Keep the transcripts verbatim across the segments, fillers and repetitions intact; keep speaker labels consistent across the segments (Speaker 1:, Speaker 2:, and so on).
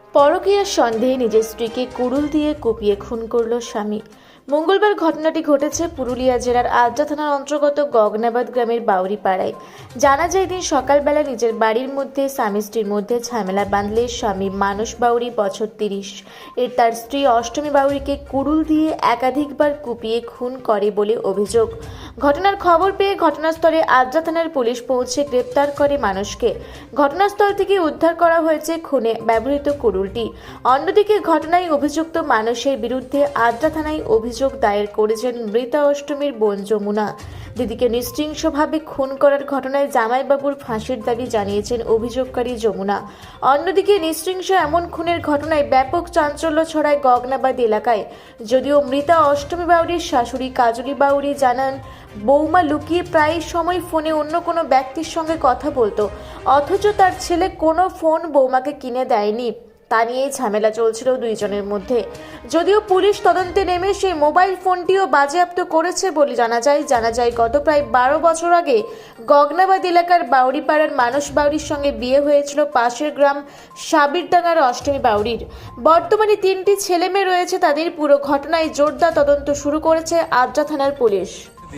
Speaker 1: পরকীয়ার সন্দেহে নিজের স্ত্রীকে কুড়ুল দিয়ে কুপিয়ে খুন করল স্বামী। মঙ্গলবার ঘটনাটি ঘটেছে পুরুলিয়া জেলার আদ্রা থানার অন্তর্গত গগনাবাদ গ্রামের বাউরি পাড়ায়। জানা যায়, দিন সকালবেলা নিজের বাড়ির মধ্যে স্বামী স্ত্রীর মধ্যে ঝামেলা বাঁধলে স্বামী মানস বাউরি বছর তিরিশ এর তার স্ত্রী অষ্টমী বাউরিকে কুড়ুল দিয়ে একাধিকবার কুপিয়ে খুন করে বলে অভিযোগ। ঘটনার খবর পেয়ে ঘটনাস্থলে আদ্রা থানার পুলিশ পৌঁছে গ্রেপ্তার করে মানুষকে। ঘটনাস্থল থেকে উদ্ধার করা হয়েছে খুনে ব্যবহৃত কুড়ুলটি। অন্যদিকে ঘটনায় অভিযুক্ত মানুষের বিরুদ্ধে আদ্রা থানায় অভিযোগ দায়ের করেছেন মৃতা অষ্টমীর বোন যমুনা। দিদিকে নৃশংসভাবে খুন করার ঘটনায় জামাইবাবুর ফাঁসির দাবি জানিয়েছেন অভিযোগকারী যমুনা। অন্যদিকে নৃশংস এমন খুনের ঘটনায় ব্যাপক চাঞ্চল্য ছড়ায় গগনাবাদ এলাকায়। যদিও মৃতা অষ্টমী বাউরির শাশুড়ি কাজলি বাউরি জানান, বৌমা লুকিয়ে প্রায় সময় ফোনে অন্য কোনো ব্যক্তির সঙ্গে কথা বলতো, অথচ তার ছেলে কোনো ফোন বৌমাকে কিনে দেয়নি। তা নিয়েই ঝামেলা চলছিল দুইজনের মধ্যে। যদিও পুলিশ তদন্তে নেমে সেই মোবাইল ফোনটিও বাজেয়াপ্ত করেছে বলে জানা যায়। জানা যায় গত প্রায় বারো বছর আগে গগনাবাদ এলাকার বাউরিপাড়ার মানস বাউরির সঙ্গে বিয়ে হয়েছিল পাশের গ্রাম সাবিরডাঙ্গার অষ্টমী বাউরির। বর্তমানে তিনটি ছেলে মেয়ে রয়েছে তাদের। পুরো ঘটনায় জোরদার তদন্ত শুরু করেছে আদ্রা থানার পুলিশ।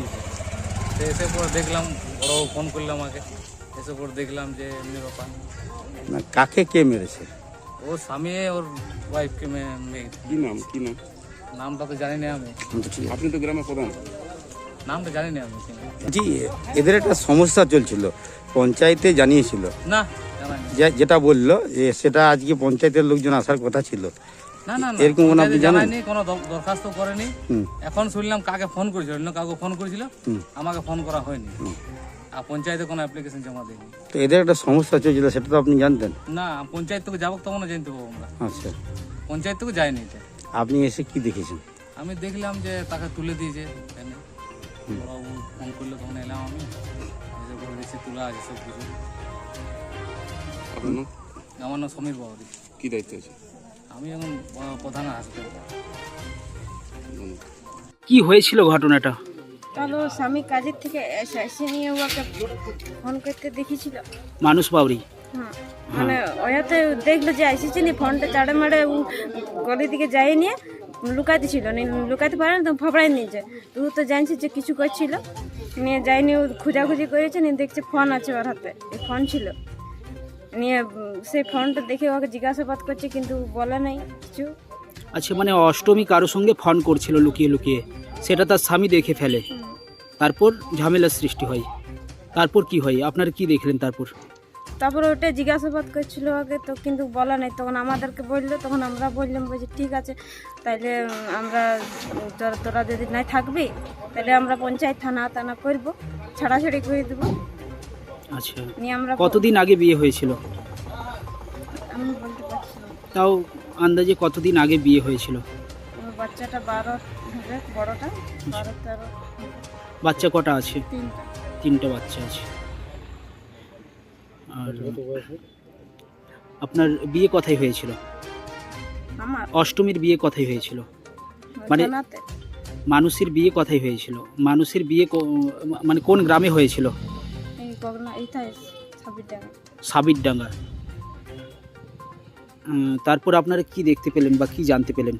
Speaker 2: এসে পর দেখলাম বড় ফোন করলো আমাকে, এসে পর দেখলাম যে এমনি ব্যাপার।
Speaker 3: না, কাকে কে মেরেছে?
Speaker 2: ও স্বামী ওর ওয়াইফকে মেয়ে।
Speaker 3: কি নাম কি নাম
Speaker 2: নামটা তো জানি না আমি।
Speaker 3: আপনি তো গ্রামের প্রধান।
Speaker 2: নামটা জানি না আমি।
Speaker 3: জি, এদের একটা সমস্যা চলছিল, পঞ্চায়েতে জানিয়েছিল
Speaker 2: না জানি না।
Speaker 3: যে- যেটা বললো যে সেটা আজকে পঞ্চায়েতের লোকজন আসার কথা ছিল।
Speaker 2: না না না,
Speaker 3: এরকম কোনো আপনি জানেন?
Speaker 2: জানায়নি, কোনো দ- দরখাস্ত করেনি।
Speaker 3: হুম।
Speaker 2: এখন শুনলাম কাকে ফোন করেছিল, অন্য কাউকে ফোন করেছিল,
Speaker 3: হুম।
Speaker 2: আমাকে ফোন করা হয়নি। আর পঞ্চায়েতে কোনো অ্যাপ্লিকেশন জমা দিইনি।
Speaker 3: তো এদের একটা সমস্যা চলছিল, সেটা তো আপনি জানতেন।
Speaker 2: না, পঞ্চায়েত থেকে যাবো তখন জানতে পারবো আমরা।
Speaker 3: আচ্ছা,
Speaker 2: পঞ্চায়েত থেকে যায়নি এটা।
Speaker 3: আপনি এসে কি দেখেছেন?
Speaker 2: আমি দেখলাম যে তাকে তুলে দিয়েছে এখানে। বড়বাবু ফোন করলো তখন এলাম আমি, এসে করে দেখছি তোলা আছে সব কিছু।
Speaker 3: আপনার
Speaker 2: আমার নাম সমীর বাবুরি।
Speaker 3: কি দায়িত্ব আছে?
Speaker 2: আমি এখন আহ, প্রধান হাসপাতাল।
Speaker 4: কি হয়েছিল ঘটনাটা?
Speaker 5: তাহলে ওর স্বামী কাজের থেকে এসে এসে নিয়ে ওকে ফোন করতে দেখেছিল।
Speaker 4: মানুষ বাউরি।
Speaker 5: হ্যাঁ, মানে ওয়াতে দেখলো যে এসেছে নি, ফোনটা চাড়ে মারে ও গলির দিকে যায় নিয়ে লুকাইতে ছিল, লুকাইতে পারে না তো ফাবড়াই নিয়েছে। তো ও তো জানছে যে কিছু করছিল, নিয়ে যায়নি, ও খোঁজাখুঁজি করেছে, নিয়ে দেখছে ফোন আছে ওর হাতে, এই ফোন ছিল। নিয়ে উম, সেই ফোনটা দেখে ওকে জিজ্ঞাসাবাদ করছে, কিন্তু বলে নাই কিছু।
Speaker 4: আচ্ছা, মানে অষ্টমী কারোর সঙ্গে ফোন করছিল লুকিয়ে লুকিয়ে, সেটা তার স্বামী দেখে ফেলে, তারপর ঝামেলার সৃষ্টি হয়। তারপর কি হয়, আপনারা কি দেখলেন তারপর?
Speaker 5: তারপরে ওটা জিজ্ঞাসাবাদ করছিল আগে, তো কিন্তু বলা নাই। তখন আমাদেরকে বললো, তখন আমরা বললাম বলছি ঠিক আছে, তাইলে উম, আমরা উম, তোরা তোরা যদি নাই থাকবি তাহলে আমরা পঞ্চায়েত থানা টানা করবো, ছাড়াছাড়ি করে দেবো।
Speaker 4: আচ্ছা,
Speaker 5: নিয়ে আমরা
Speaker 4: কতদিন আগে বিয়ে হয়েছিল?
Speaker 5: আমি বলতে পারছি না।
Speaker 4: তাও আন্দাজে কতদিন আগে বিয়ে হয়েছিল?
Speaker 5: আমার বাচ্চাটা বারো হবে, বড়টা বারো তেরো,
Speaker 4: বাচ্চা কটা আছে?
Speaker 5: তিনটা।
Speaker 4: তিনটা বাচ্চা আছে। আর আপনার বিয়ে কোথায় হয়েছিল?
Speaker 5: আমার
Speaker 4: অষ্টমীর বিয়ে কোথায় হয়েছিল? মানে-
Speaker 5: থানাতে
Speaker 4: মানুষের বিয়ে কোথায় হয়েছিল? মানুষের বিয়ে কো- মানে কোন গ্রামে হয়েছিল?
Speaker 5: এই গগনা এইটাই ছাব্বিশ টাকা।
Speaker 4: সাবিরডাঙ্গা। উম, তারপর আপনারা কি দেখতে পেলেন বা কি জানতে পেলেন?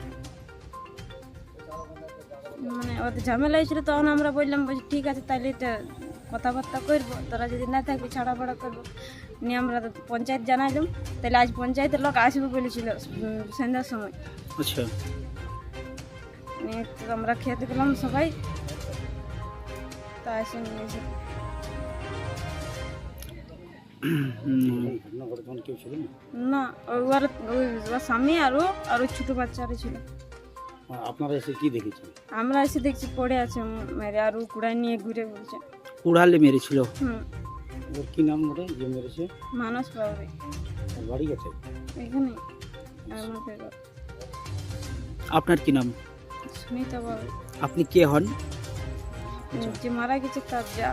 Speaker 5: মানে ওদের ঝামেলা হয়েছিল, তখন আমরা বললাম বলছি ঠিক আছে, তাইলে এটা কথাবার্তা করবো, তোরা যদি না থাকবি ছাড়াফাড়া করবো। নিয়ে আমরা তো পঞ্চায়েত জানাইলাম, তাহলে আজ পঞ্চায়েতের লোক আসবে বলেছিল উম, সন্ধ্যার সময়।
Speaker 4: আচ্ছা,
Speaker 5: নিয়ে তো আমরা খেতে গেলাম সবাই, তা এসে নিয়ে এসে
Speaker 4: উম,
Speaker 5: না, ওই ওর ওই ওর স্বামী আর ও আর ওই ছোটো বাচ্চারা ছিল।
Speaker 3: আপনারা এসে কি দেখেছেন?
Speaker 5: আমরা এসে দেখছি পড়ে আছে মেরে, আর ও কুড়াই নিয়ে ঘুরে বলছে।
Speaker 4: কুড়ালে মেরেছিল।
Speaker 5: হুম,
Speaker 3: ওর কি নাম ওটা যে মেরেছে?
Speaker 5: মানস বাবুরি
Speaker 3: ওর বাড়ি গেছে?
Speaker 5: এখানে আমাদের
Speaker 4: আপনার কি নাম?
Speaker 5: সুনিতা বাবু
Speaker 4: আপনি কে হন?
Speaker 5: যে মারা গেছে তার যা।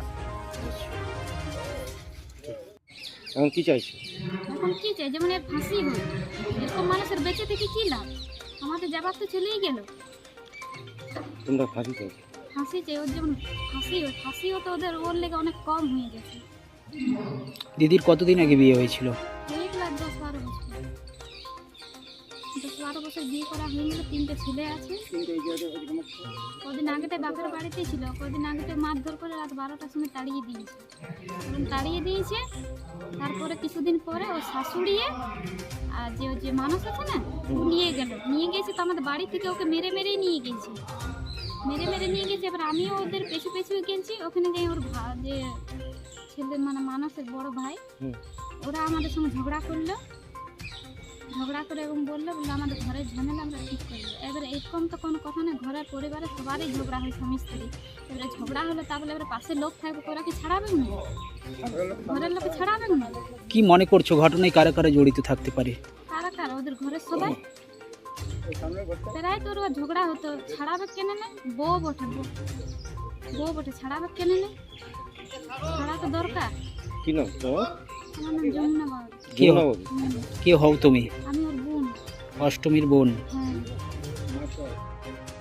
Speaker 3: এখন কি চাইছে?
Speaker 6: এখন কি চাই, যেমন এর ফাঁসি হোক। এরকম মানুষের বেঁচে থেকে কি লাভ? আমাদের যাবার তো চলেই গেল।
Speaker 3: তোমরা ফাঁসি চাইছো?
Speaker 6: ফাঁসি চাই, ওর যেমন ফাঁসি হয়, ফাঁসিও তো ওদের ওর লেগে অনেক কম হয়ে গেছে।
Speaker 4: দিদির কতদিন আগে বিয়ে হয়েছিল?
Speaker 6: এক লাখ দশ বারো বছর। দশ বারো বছর বিয়ে করা হয়ে গেল, তিনটে ছেলে আছে। কদিন আগেতে বাপের বাড়িতেই ছিল, কদিন আগেতে মারধর করে রাত বারোটার সময় তাড়িয়ে দিয়েছে। এবং তাড়িয়ে দিয়েছে তারপরে কিছুদিন পরে ও শাশুড়িয়ে আর যে যে মানুষ আছে না ও নিয়ে গেল, নিয়ে গেছে তো আমাদের বাড়ি থেকে ওকে মেরে মেরেই নিয়ে গেছে, মেরে মেরে নিয়ে গেছে। এবার আমিও ওদের পেছু পেছু গেছি, ওখানে যাই ওর ভা- যে ছেলে মানে মানুষের বড় ভাই, ওরা আমাদের সঙ্গে ঝগড়া করলো, ঝগড়া করে এবং বললো বললো আমাদের ঘরের ঝামেলা আমরা ঠিক করবো। এবারে এরকম তো কোনো কথা না, ঘরের পরিবারে সবারই ঝগড়া হয় স্বামী স্ত্রী। এবারে ঝগড়া হলো তা বলে এবারে পাশে লোক থাকবে, ওরা কি ছাড়াবে না? ঘরের লোকে ছাড়াবে না?
Speaker 4: কি মনে করছো ঘটনায় কারা কারা জড়িত থাকতে পারে?
Speaker 6: কারা কারা? ওদের ঘরের সবাই প্রায় তোর ঝগড়া হতো, ছাড়াবে কেন না? বউ বটে, বউ- বউ বটে, ছাড়াবে কেন না? ছাড়া তো দরকার।
Speaker 3: কি নাম তোমার?
Speaker 6: আমার নাম যমুনা বাবু।
Speaker 4: কে হও কে হও তুমি?
Speaker 6: আমি ওর বোন।
Speaker 4: অষ্টমীর বোন।
Speaker 6: হ্যাঁ।